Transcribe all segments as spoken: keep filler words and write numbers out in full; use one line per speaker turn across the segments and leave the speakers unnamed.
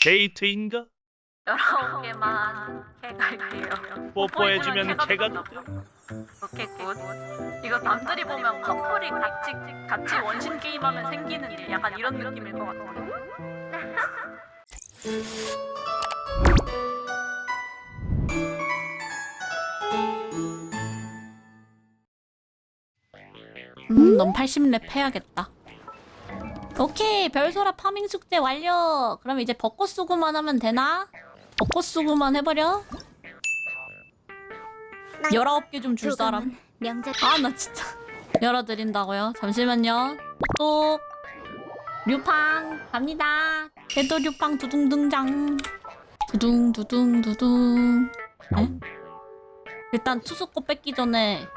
데이트인가?
열아홉 개만 해갈게요.
뽀뽀해주면 개가 돼.
오케이 굿. 이거 남들이 보면 커플이 같이 같이 원신 게임하면 생기는 일, 약간 이런 느낌일 것 같아요. 음, 넌 팔십 렙 해야겠다. 오케이, 별소라 파밍 숙제 완료. 그럼 이제 벚꽃 수구만 하면 되나? 벚꽃 수구만 해버려. 열아홉 개 좀 줄 사람. 아, 나 진짜. 열어드린다고요? 잠시만요. 또 류팡 갑니다. 궤도 류팡 두둥 등장. 두둥 두둥 두둥. 에? 일단 투수거 뺏기 전에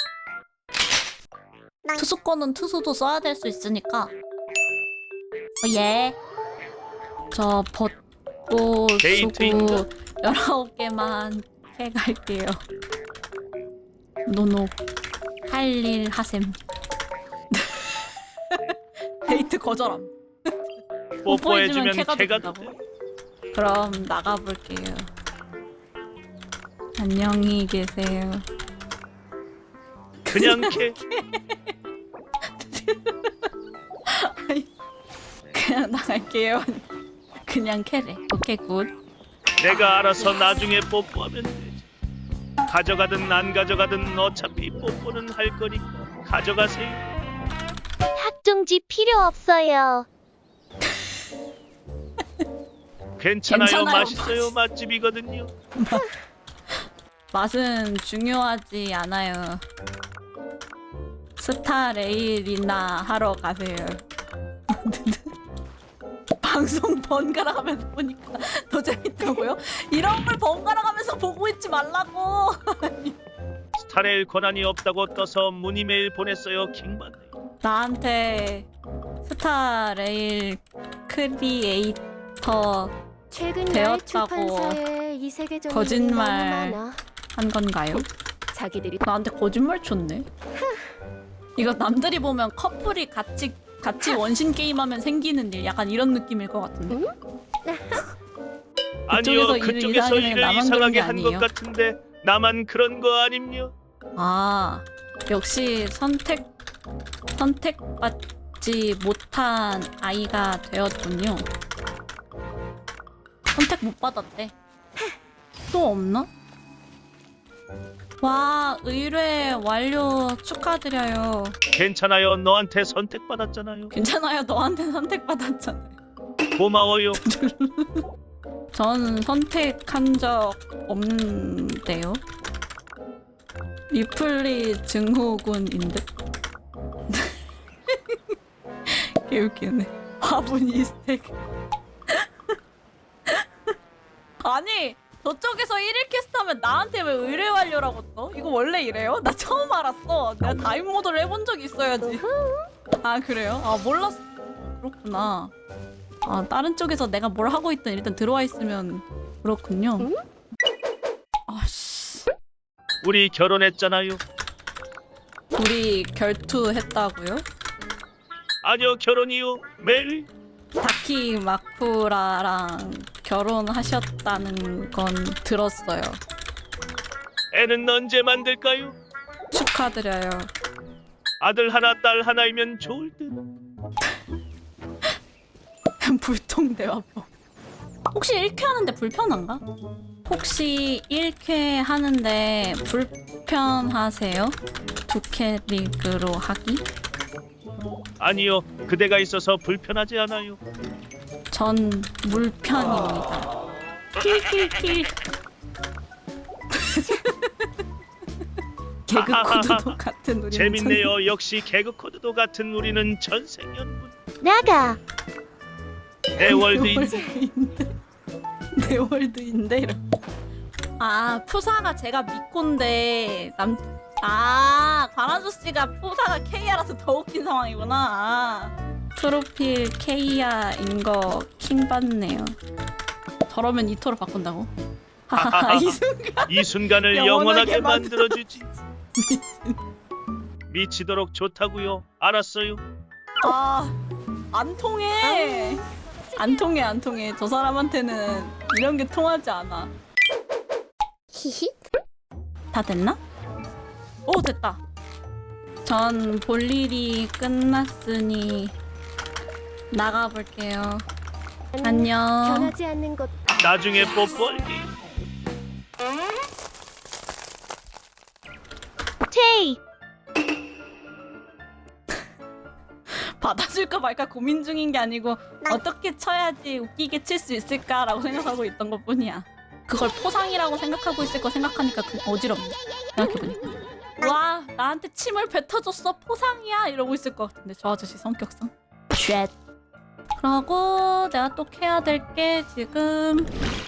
투수거는 투수도 써야 될 수 있으니까. 어, 예. 저 벚꽃 수구 열아홉 개만 해갈게요. 노노 할 일 하셈. 데이트 거절함.
뽀뽀해주면
개가
개가
된다고?
돼.
그럼 나가볼게요. 안녕히 계세요.
그냥 개.
그냥 나갈게요. 그냥 캐래. 오케이 굿.
내가 알아서 나중에 뽀뽀하면 되지. 가져가든 안 가져가든 어차피 뽀뽀는 할 거니까 가져가세요.
학종지 필요 없어요.
괜찮아요,
괜찮아요,
맛있어요. 맛집이거든요.
맛은 중요하지 않아요. 스타 레일이나 하러 가세요. 방송 번갈아 가면서 보니까 더 재밌다고요? 이런 걸 번갈아 가면서 보고 있지 말라고.
스타레일 권한이 없다고 떠서 문의 메일 보냈어요. 킹받네.
나한테 스타 레일 크리에이터
최근
되었다고
출판사에 이 세계적인
거짓말.
너무 많아.
한 건가요?
자기들이
나한테 거짓말 쳤네. 이거 남들이 보면 커플이 같이 같이 원신 게임하면 생기는 일, 약간 이런 느낌일 것 같은데.
응?
아니요,
그쪽에서 일을
그쪽에서
이상하게
일을
나만 그런
이상하게
게
한 것
아니에요?
같은데 나만 그런 거 아님요?
아, 역시 선택 선택받지 못한 아이가 되었군요. 선택 못 받았대. 또 없나? 와, 의뢰 완료 축하드려요.
괜찮아요. 너한테 선택받았잖아요.
괜찮아요. 너한테 선택받았잖아요.
고마워요.
전 선택한 적 없는데요. 리플리 증후군인데. 개웃기네. 화분 이스택. 아니, 저쪽에서 일 일 캐스트 하면 나한테 왜 의뢰 완료라고 떠? 이거 원래 이래요? 나 처음 알았어. 내가 다임 모드를 해본 적이 있어야지. 아, 그래요? 아, 몰랐어. 그렇구나. 아, 다른 쪽에서 내가 뭘 하고 있든 일단 들어와 있으면 그렇군요.
응?
아씨,
우리 결혼했잖아요.
우리 결투했다고요?
아니요, 결혼이요. 매일.
다키 마쿠라랑 결혼하셨다는 건 들었어요.
애는 언제 만들까요?
축하드려요.
아들 하나, 딸 하나이면 좋을 듯.
불통대화법. 혹시 일 쾌 하는데 불편한가? 혹시 일 쾌 하는데 불편하세요? 두 캐릭으로 하기?
아니요, 그대가 있어서 불편하지 않아요.
전 물편입니다. 킬킬킬. 개그 코드도 같은 우리는
재밌네요. 역시 개그 코드도 같은 우리는 전생연분.
나가.
대월드인.
월드인데. 내 월드인데 이러. 아, 푸사가 제가 미코인데 남. 아, 관아저 씨가 푸사가 케이아라서 더 웃긴 상황이구나. 아, 프로필 케이아인 거 킹 받네요. 저러면 이토로 바꾼다고? 하하, 이 순간
이 순간을
영원하게
영원하게 만들어주지. 미치도록 좋다고요. 알았어요.
아, 안 통해. 안 통해 안 통해. 저 사람한테는 이런 게 통하지 않아.
히히.
다 됐나? 오 됐다. 전 볼 일이 끝났으니 나가볼게요. 안녕.
변하지 않는 것.
나중에 뽀뽀할게.
테이.
받아줄까 말까 고민 중인 게 아니고 어떻게 쳐야지 웃기게 칠 수 있을까라고 생각하고 있던 것 뿐이야. 그걸 포상이라고 생각하고 있을 거 생각하니까 그 어지럽네. 생각해보니까. 와 나한테 침을 뱉어줬어 포상이야 이러고 있을 것 같은데 저 아저씨 성격상. 쉣. 그러고 내가 또 해야 될 게 지금